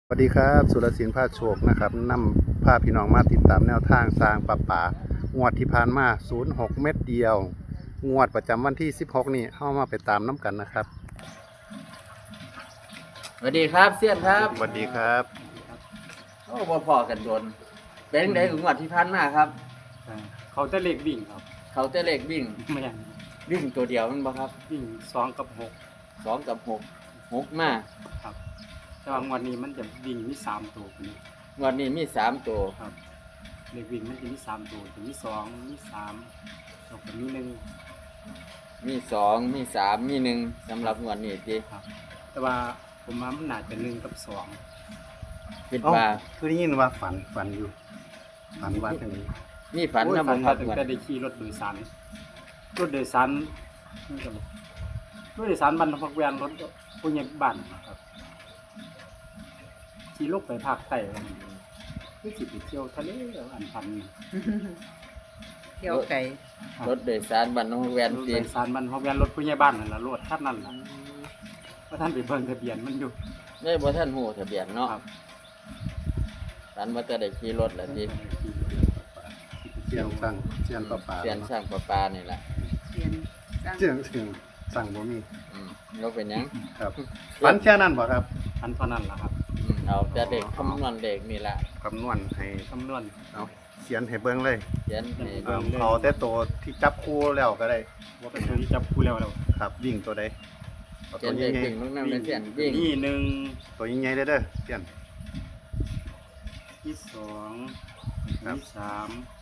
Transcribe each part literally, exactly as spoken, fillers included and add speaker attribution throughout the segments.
Speaker 1: สวัสดีครับสุรศิลป์พาโชคนะครับนำพาพี่น้องมาติดตามแนวทางสร้างปลาป่างวดที่ผ่านมาศูนย์หกเม็ดเดียวงวดประจำวันที่สิบหกนี่เข้ามาไปตามน้ำกันนะครับ
Speaker 2: สวัสดีครับเซียนครับ
Speaker 1: สวัสดีครับ
Speaker 2: โอ้บ่พอกันโดนเป็นไงถึงวัดที่พันมาครับ
Speaker 3: อ่าเขาจะเล็กวิ่งครับ
Speaker 2: เขาจะเลขวิ่ง
Speaker 3: ไม่อย่าง
Speaker 2: วิ่งตัวเดียวมันบ่ครับ
Speaker 3: วิ่งสองกับหก
Speaker 2: สองกับหกหกมา
Speaker 3: ครับแต่ว่างวันนี้มันจะวิ่งมีสามตัวคนนี้
Speaker 2: งวันนี้มีสามตัว
Speaker 3: ครับเล็กวิ่งมันจะมีสามตัวจะมีสองมีสามแล้วก็มีหนึ่ง
Speaker 2: มีสองมีสามมีหนึ่งสำหรับงวดนี้จี
Speaker 3: ครับ แต่ว่าผมว่ามันน่าจะหนึ่งกับสอง
Speaker 2: คิด
Speaker 1: เอ้า
Speaker 2: ว่า
Speaker 1: คือได้ยินว่าฝันฝันอยู่ฝันว่าทางนี้
Speaker 2: มีฝัน
Speaker 3: โอ้ย
Speaker 2: นะ
Speaker 3: ฝั
Speaker 2: บ่
Speaker 3: น
Speaker 2: ครั
Speaker 3: ว่า
Speaker 2: บ
Speaker 3: ตั้ง
Speaker 2: งวด
Speaker 3: แต่ได้ขี่รถโดยสารรถโดยสารนี่ก็บอกรถโดยสารบรรทุกแวนรถผู้ใหญ่บ้านครับขี่ลกไปภาคใต้คือสิไปเที่ยวทะเลอันพันนี่
Speaker 4: เที่ยวไก่
Speaker 3: ครับ
Speaker 2: รถโดยสารบรรทุกแวน
Speaker 3: รถ
Speaker 2: จี
Speaker 3: โดยสารมันเพราะแวนรถผู้ใหญ่บ้านนั่นล่ะรถคันนั้นล่ะว่าท่านไปเบิ่งทะเบียนมันอยู่
Speaker 2: ได้บ่ท่านหูทะเบียนเนาะ
Speaker 3: ครับ
Speaker 2: ฝันว่าจะได้ขี่รถแล้วจี
Speaker 1: เสียงสั่งเสียงปลาป่า
Speaker 2: เสียนสร้างประปานี่แหละ
Speaker 4: เรียนสร้าง
Speaker 1: เสียงเสียงสั่งบ่มี
Speaker 2: อืมเราเป็นหยัง
Speaker 1: ครับฝันแค่นั้นบ่ครับ
Speaker 3: อันเท่านั้นล่ะครับ
Speaker 2: อืมเอาแต่เด็กคำนวณเด็กนี่แหละ
Speaker 1: คำนวณให้
Speaker 3: คำนวณ
Speaker 1: เอาเขียนให้เบิ่งเลย
Speaker 2: เขียนให้
Speaker 1: เอาเอาแต่ตัวที่จับคู่แล้วก็ได้
Speaker 3: ว่าเป็นตัวที่จับคู่แล้วแล้ว
Speaker 1: ครับวิ่งตัวใดเอา
Speaker 2: เขี
Speaker 1: ตั
Speaker 2: ยน
Speaker 1: ว
Speaker 2: เด็ก
Speaker 1: ใหญ่
Speaker 2: วิ่งลูกน้ำในเสียนวิ่ง
Speaker 3: นี่หนึ่ง
Speaker 1: ๆตัวใหญ่ๆเด้อเด้อเสียน
Speaker 3: ที่สอง
Speaker 1: ครับ
Speaker 3: ที่สาม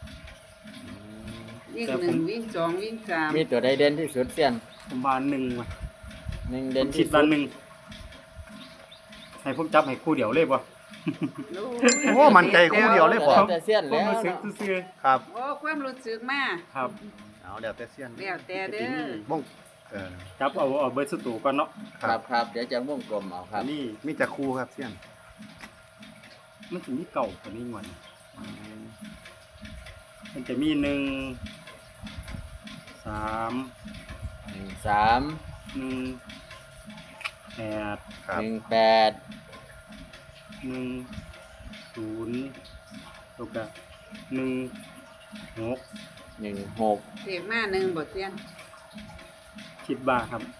Speaker 4: วิ่ง
Speaker 3: แต่
Speaker 4: ห
Speaker 3: ผม
Speaker 4: นึ่งวิ่งสองวิ่งสาม
Speaker 2: มีตัวใดเด่นที่สุดเสียน
Speaker 3: ผมว่าหนึ่งว่ะ
Speaker 2: หนึ่ง
Speaker 3: ผ
Speaker 2: เด่น
Speaker 3: มคิ
Speaker 2: ที่
Speaker 3: ด
Speaker 2: สุ
Speaker 3: ว่า
Speaker 2: ด
Speaker 3: หนึ่งให้ผมจับให้คู่เดียวเลยบ่
Speaker 1: โอ้มันใจคู่เดียวเลยบ่
Speaker 2: แล้วแต่เสียน
Speaker 3: ผม
Speaker 2: แล้ว
Speaker 3: รู้สึก
Speaker 2: เนาะ
Speaker 3: ซื่อ
Speaker 1: ครับ
Speaker 4: โอ้ความรู้สึกมา
Speaker 3: ๆครับ
Speaker 1: เอาเดี๋ยวแต่เสียน
Speaker 4: แล้วแต่เด้อ
Speaker 1: บ้งเออ
Speaker 3: จับเอาเอาเบิร์ดสตูก่อนเนาะ
Speaker 2: ครับครับเดี๋ยวจะวงกลมเอาครับ
Speaker 3: อันนี่
Speaker 1: มีแต่คู่ครับเสียน
Speaker 3: มันจะมีเก่ากว่านี้งวนมันจะมีหนึ่งสาม
Speaker 2: หนึ่งสาม
Speaker 3: หนึ่งแปด
Speaker 1: ครับ
Speaker 2: หนึ่งแปด
Speaker 3: หนึ่งศูนย์แล้วก็หนึ่งหก
Speaker 2: หนึ่งหก
Speaker 4: เสียมาหนึ่งบทเรียน
Speaker 3: คิดบ้าครับ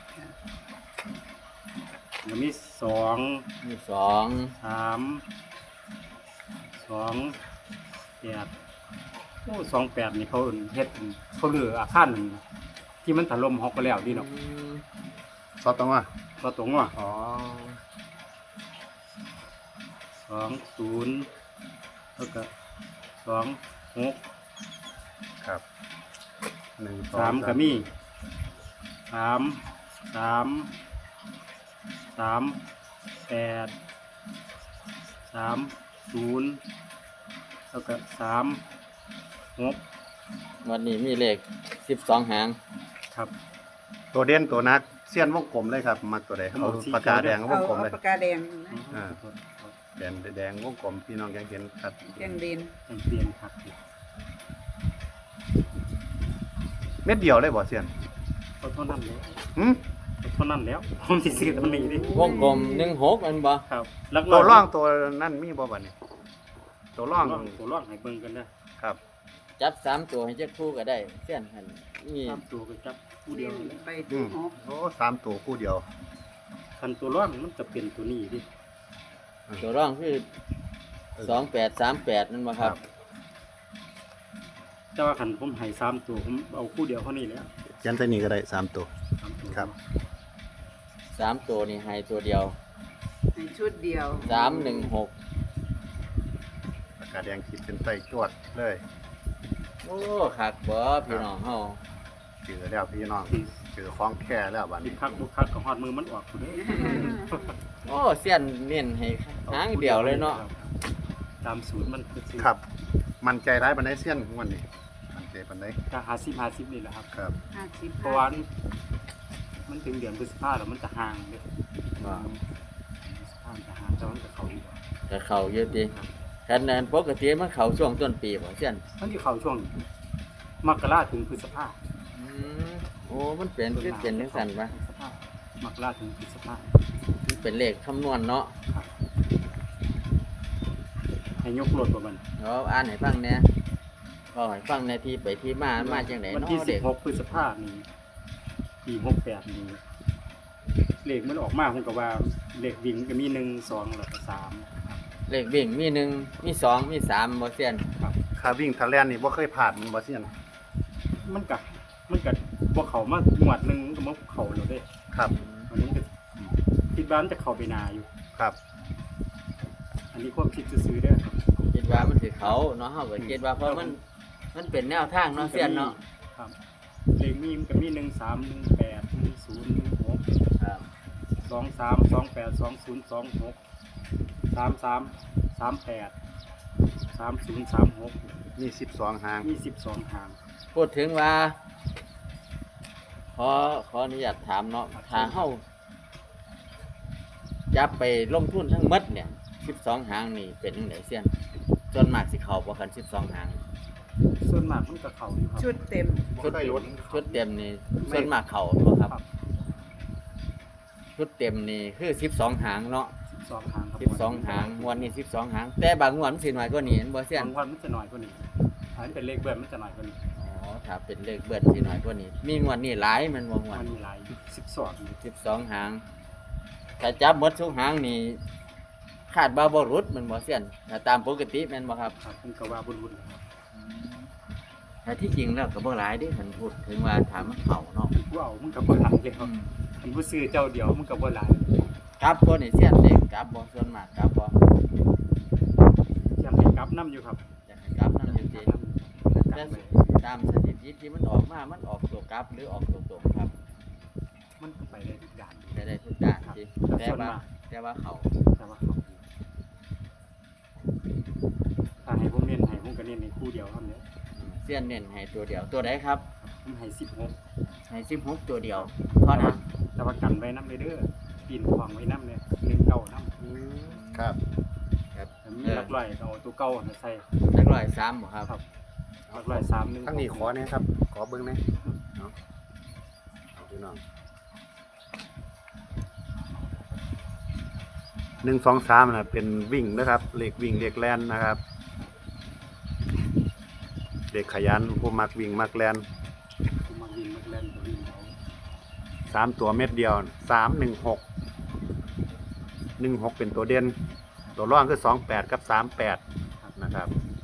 Speaker 3: แล้วมีสอง
Speaker 2: มีสอง
Speaker 3: สามสองแปดโอ้สองแปดนี่เขาเอิ่นเฮ็ดเขาเหลืออาคารหนึ่งที่มันถล่มฮอกไปแล้วดีเนาะ
Speaker 2: อืม
Speaker 1: ซอสตรงว่า
Speaker 3: ก็ตรงว่า
Speaker 1: อ๋อ
Speaker 3: สองศูนย์แล้วก็สองหก
Speaker 1: ครับหนึ่งสอง
Speaker 3: สามก็มีสามสามสามแปดสามศูนย์แล้วก็สามหก
Speaker 2: วันนี้มีเลขสิบสองหาง
Speaker 3: ครับ
Speaker 1: ตัวเด่นตัวนักเสี้ยนวงกลมเลยครับมักตัวใดเอาปากกาแดงว
Speaker 4: เอา
Speaker 1: งกลม
Speaker 4: เอา
Speaker 1: เลย
Speaker 4: ปากกาแดงนะ
Speaker 1: อ่า แดงแดงวงกลมพี่น้องยังเห็นครับ
Speaker 4: แดงเรียน
Speaker 3: ยังเปลี่ยนครับ
Speaker 1: เม็ดเดียวเลยบ่เสี้ยน
Speaker 3: เอาเท่านั้นแล้ว
Speaker 1: หืม
Speaker 3: เอาเท่านั้นแล้วผมสิซื้อตัวนี้ดิ
Speaker 2: วงกลมหนึ่งหกมันบ่
Speaker 3: ครับลักล
Speaker 1: ตัว
Speaker 3: อบ
Speaker 1: ร่องตัวนั่นมีบ่บัดนี้ตัวร่อง
Speaker 3: ตัวร่องตัวร่องให้เบิ่งกันนะครับ
Speaker 2: จับสามตัวให้เจ้าคู่ก็ได้เสียนหันนี่
Speaker 3: ตามตัวก็จับคู่เดี
Speaker 4: เรี
Speaker 3: ย
Speaker 4: ยว น
Speaker 3: นี่แหละ
Speaker 4: ไป
Speaker 1: อื
Speaker 4: ที่
Speaker 1: ม
Speaker 4: หก
Speaker 1: โอ้สามตัวคู่เดียว
Speaker 3: คันตัวร่องมันจะเป็นตัวนี้ดิ
Speaker 2: ตัวร่องคือสองแปดสามแปดนั่นบ่ครับ
Speaker 3: แต่ว่าคันผมให้สามตัวผมเอาคู่เดียวเท่านี้แหล้ว
Speaker 1: เขียนใส่นี่ก็ได้สามตัว
Speaker 3: สามตัว
Speaker 1: ครับ
Speaker 2: สามตัวนี่ให้ตัวเดียว
Speaker 4: ในชุดเดียว
Speaker 2: สามหนึ่งหก
Speaker 1: ปากกาแดงขีดเป็นใต้จวดเลย
Speaker 2: โอ้คักบ่พี่น้องเฮา
Speaker 1: เจอแล้วพี่น้องเจอของแค่แล้วบัด
Speaker 3: คิด
Speaker 1: นี้
Speaker 3: คักบุคักกับหอดมือมันออกคุณเด้อ
Speaker 2: โอ้เสียนเน้นให้หางเดียวเลยเนาะ
Speaker 3: ตามศูนย์มันคือ
Speaker 1: ครับ มันใจร้ายบันไดเสี้ยนงวันนี้มันใจบันได
Speaker 3: ก็ห้าสิบห้าสิบนี่แหละครับ
Speaker 1: ครับ
Speaker 4: ห้าสิบ
Speaker 3: เพราะว่ามันถึงเดือนพฤษภาแล้วมันจะห่างเลย
Speaker 2: ว่า
Speaker 3: พฤษภาจะห่างแต่มันจะเข้าอีก
Speaker 2: จะเข้าเยอะดิคันนั้นปกติมันเข้าช่วงต้นปีบ่เสียน
Speaker 3: มันจะเข้าช่วงมกราถึงพฤษภา
Speaker 2: อืมโอ้มันเป็นคือเป็นจังซั่นปะ
Speaker 3: พฤษภามกราถึงพฤษภา
Speaker 2: มันเป็นเลขคำนวณเนาะ
Speaker 3: ครับให้ยกรถบ่มัน
Speaker 2: เอาอ่านให้ฟังแหน่ก็ให้ฟังในที่ไปที่มามาจังได๋
Speaker 3: วัน
Speaker 2: เนาะ
Speaker 3: ที่สิ
Speaker 2: เด็
Speaker 3: บ
Speaker 2: ก
Speaker 3: หกพฤษภาคมนี้ปีหกแปดนี้เลขมันออกมาผมก็ว่าเลขวิ่งก็มีหนึ่งสองแล้วก็สาม
Speaker 2: เลขวิ่งมีหนึ่งมีสองมีสามบ่เซียน
Speaker 3: ครับ
Speaker 1: ค่าวิ่งทะแลนนี่บ่เคยผ่านมันบ่เซียน
Speaker 3: มันก็มันก็บ่เข้ามางวดหนึงมันก็มาเข้าแล้วเด้
Speaker 1: ครับ
Speaker 3: วันนี้มันก็คิดว่ามันจะเข้าไปนาอยู่
Speaker 1: ครับ
Speaker 3: อันนี้ความคิดซื่อๆเด้อครับ
Speaker 2: คิดว่ามันสิเขาเนาะเฮาก็คิดว่าเพราะมันมันเป็นแนวทางเนาะเซียนเนาะ
Speaker 3: ครับเลขมีมันก็มีหนึ่งสามหนึ่งแปดหนึ่งศูนย์หนึ่งหก
Speaker 2: ครับ
Speaker 3: สองสามสองแปดสองศูนย์สองหกสามสามสามแปดสามศูนย์สามหก
Speaker 1: มีสิบสองหาง
Speaker 3: มีสิบสองหาง
Speaker 2: พูดถึงว่า ขอขออนุญาตถามเนาะถ้าเฮาจับไปลงทุนทั้งหมดเนี่ยสิบสองหางนี่เป็นจังไดเซียนส่วนมากสิเข้าบ่กันสิบสองหาง
Speaker 3: ส่วนมากมันก็เข้าอยู่ครับ
Speaker 4: ชุดเต็ม
Speaker 2: ชุดเต็มชุดเต็มนี่ส่วนมากเข้าบ่ครับ
Speaker 3: ครับ
Speaker 2: ชุดเต็มนี่คือสิบสองหางเนาะ
Speaker 3: สิบสองหางครับ
Speaker 2: สิบสองหางงวดนี้สิบสองหาง แต่บางงวดมันสิน้อยกว่านี้เห็นบ่เซียน
Speaker 3: บางวันมันจะน้อยกว่านี้ถ้ามันเป็นเลขเบิ้ลมันจะน้อยกว่านี้
Speaker 2: อ๋อถ้าเป็นเลขเบิ้ลสิน้อยกว่านี้ มีงวดนี้หลายมันบ่งวด
Speaker 3: มันมีหลายสิบสอง
Speaker 2: สิบสองหางถ้าจับหมดทุกหางนี่คาดบ่าบ่หลุดมันบ่เซียนถ้าตามปกติแม่นบ่ครับ
Speaker 3: ครับผมก็ว่าบุญๆนะครับ
Speaker 2: แต่ที่จริงแล้วก็บ่หลายเด้คันพูดถึงว่าถามมันเข้าเนาะ
Speaker 3: ผู้เอามันก็บ่หลายเลยครับมันผู้ซื้อเจ้าเดียวมันก็บ่หลาย
Speaker 2: กลับบ่นี่เซียนเด็กกลับบ่ส่วนมากกลับบ่
Speaker 3: ยังให้กลับน้ำอยู่ครับ
Speaker 2: อยากให้กลับนำอยู่ติ
Speaker 3: กลับ
Speaker 2: แต่
Speaker 3: ไป
Speaker 2: ตามสถิติที่มันออกมามันออกตัวกลับหรือออกตัวตรงครับ
Speaker 3: มันก็ไปได้ทุกอย่าง
Speaker 2: ได้ได้ทุกด้าน
Speaker 3: ครับ
Speaker 2: ติ
Speaker 3: แต่
Speaker 2: แต่
Speaker 3: ส่วน
Speaker 2: ว่าม
Speaker 3: าก
Speaker 2: แต่ว่าเขา
Speaker 3: แต่ว่าเขาถ้าให้ผมเน้นให้ผมก็เน้นในคู่เดียวเท่านี้
Speaker 2: อืมเสี้ยนเน้นให้ตัวเดียวตัวใดครับ
Speaker 3: ผมให้สิบหก
Speaker 2: ให้สิบหกตัวเดียวเท่านั้น
Speaker 3: แต่ว่ากันไว้น้ำเลยเด้อปีนขวางไว้น้ำเนี่ยหนึ่งเก้าน้ำ
Speaker 1: ครับ
Speaker 2: ครับ
Speaker 3: แต่มีหลักร้อยเอาตัวเก้ามาใส่
Speaker 2: นักร้อยสามบ่ครับ
Speaker 3: ครับหลักร้อยสามหนึ่ง
Speaker 1: ทั้งนี้ขอเนี่ยครับ ขอเบิ้งหนะเนาะเอาพี่น้องหนึ่งสองสามนะเป็นวิ่งนะครับเลขวิ่งเลขแลนนะครับเด็กขยันผู้มักวิ่งมักแลน
Speaker 3: ผมมาวิ่งมาเล่นตัววิ่งเอา
Speaker 1: สามตัวเม็ดเดียวสามหนึ่งหกหนึ่งหกเป็นตัวเด่นตัวร่องคือสองแปดกับสามแปดนะครับ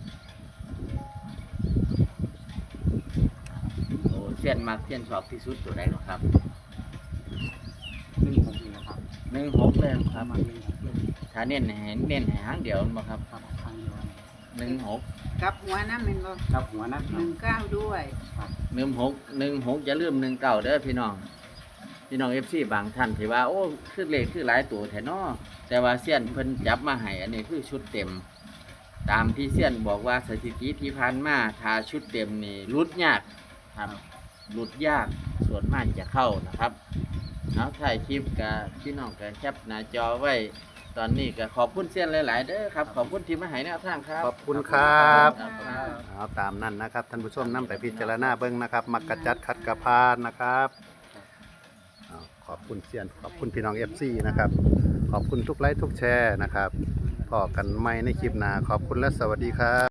Speaker 2: โอ้เสี้ยนมักเสี้ยนชอบที่สุดตัวใดหรอครับ
Speaker 3: หนึ่งหกนี่นะครับ
Speaker 2: หนึ่งหกเลยค
Speaker 3: ป
Speaker 2: รั
Speaker 3: ระ
Speaker 2: บ
Speaker 3: มาณหนึ่งหกเลย
Speaker 2: ถ้าเน้นให้เน้นให้หางเดียวนั่นบ่ครับ
Speaker 3: ครับครั้งเดียว
Speaker 2: หนึ่งหก
Speaker 4: กลับหัวน้ำเป็นบ่
Speaker 3: ครับหัวนะ
Speaker 4: หนึ่งเก้าด้วย
Speaker 2: หนึ่งหกหนึ่งหกอย่าลืมหนึ่งเก้าเด้อพี่น้องพี่น้องเอฟซีบางท่านที่ว่าโอ้คือเลขคือหลายตัวแท้เนาะแต่ว่าเสี้ยนเพิ่นจับมาให้อันนี้คือชุดเต็ม ตามที่เสี้ยนบอกว่าสถิติที่ผ่านมาถ้าชุดเต็มนี่รุดยากครับรุดยากส่วนมากจะเข้านะครับเอาถ่ายคลิปกับพี่น้องกับแคปหน้าจอไว้ ตอนนี้ก็ขอบคุณเสี้ยนหลาย ๆ เด้อครับขอบคุณที่มาให้แนวทางครับ
Speaker 1: ขอบคุณครับ
Speaker 2: ครับ
Speaker 1: เอาตามนั้นนะครับท่านผู้ชมนำไปพิจารณาเบิ้งนะครับ มักกะจัดคัดกระพานนะครับเอาขอบคุณเซียนขอบคุณพี่น้องเอฟซีนะครับ ขอบคุณทุกไลค์ทุกแชร์นะครับพอกันใหม่ในคลิปหน้าขอบคุณและสวัสดีครับ